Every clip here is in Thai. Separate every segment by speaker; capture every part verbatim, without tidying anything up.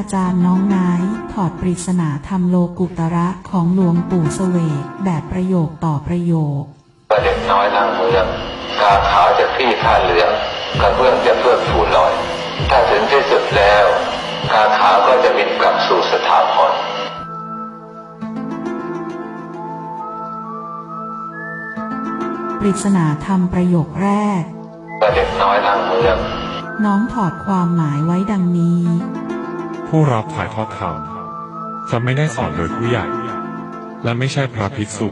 Speaker 1: อาจารย์น้องนายถอดปริศนาธรรมโลกุตระของหลวงปู่เสวกแบบประโยคต่อประโยค
Speaker 2: เด็กน้อยทางเมืองกาขาวจะที่ผ้าเหลืองกระเบื้องจะเพื่อผูลอยถ้าถึงที่สุดแล้วกาขาวก็จะบินกลับสู่สถาพร
Speaker 1: ปริศนาธรรมประโยคแรก
Speaker 2: เด็กน้อยทางเมือง
Speaker 1: น้องถอดความหมายไว้ดังนี้
Speaker 3: ผู้รับถ่ายทอดธรรมจะไม่ได้สอนโดยผู้ใหญ่และไม่ใช่พระภิกษุ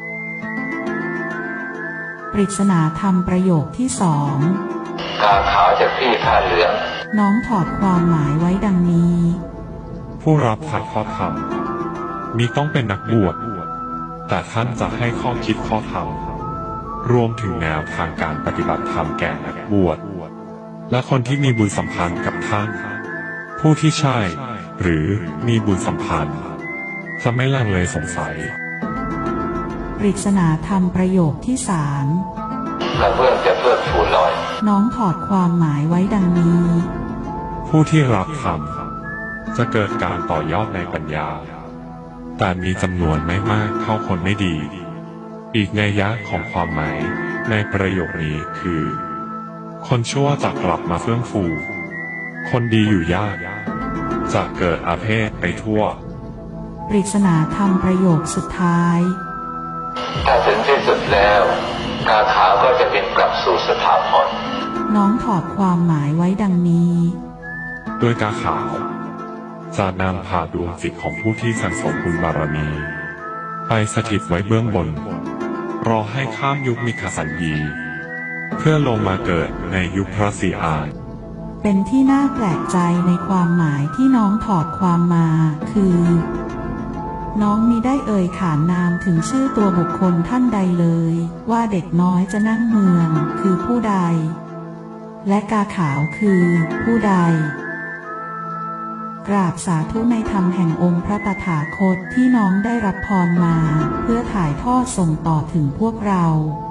Speaker 1: ปริศนาธรรมประโยคที่สอง
Speaker 2: กาขาวจะที่ผ้าเหลือง
Speaker 1: น้องถอดความหมายไว้ดังนี้
Speaker 3: ผู้รับถ่ายทอดธรรมมีต้องเป็นนักบวชแต่ท่านจะให้ข้อคิดข้อธรรมรวมถึงแนวทางการปฏิบัติธรรมแก่นักบวชและคนที่มีบุญสัมพันธ์กับท่านผู้ที่ใช่หรือมีบุญสัมพันธ์จะไม่ลังเลสงสัย
Speaker 1: ปริศนาธรรมประโยคที่สาม
Speaker 2: กระเบื้องจะเพื่อผูลอย
Speaker 1: น้องถอดความหมายไว้ดังนี้
Speaker 3: ผู้ที่รับธรรมจะเกิดการต่อยอดในปัญญาแต่มีจำนวนไม่มากเท่าคนไม่ดีอีกนัยยะของความหมายในประโยคนี้คือคนชั่วจะกลับมาเฟื่องฟูคนดีอยู่ยากจะเกิดอาเพศไปทั่ว
Speaker 1: ปริศนาธรรมประโยคสุดท้าย
Speaker 2: ถ้าถึงที่สุดแล้วกาขาวก็จะบินกลับสู่สถาพร
Speaker 1: น้องถอดความหมายไว้ดังนี้
Speaker 3: โดยกาขาวจะนำพาดวงจิตของผู้ที่สั่งสมบุญบารมีไปสถิตไว้เบื้องบนรอให้ข้ามยุคมิคสัญญีเพื่อลงมาเกิดในยุคพระศรีอาน
Speaker 1: เป็นที่น่าแปลกใจในความหมายที่น้องถอดความมาคือน้องมิได้เอ่ยขานนามถึงชื่อตัวบุคคลท่านใดเลยว่าเด็กน้อยจะนั่งเมืองคือผู้ใดและกาขาวคือผู้ใดกราบสาธุในธรรมแห่งองค์พระตถาคตที่น้องได้รับพรมาเพื่อถ่ายทอดส่งต่อถึงพวกเรา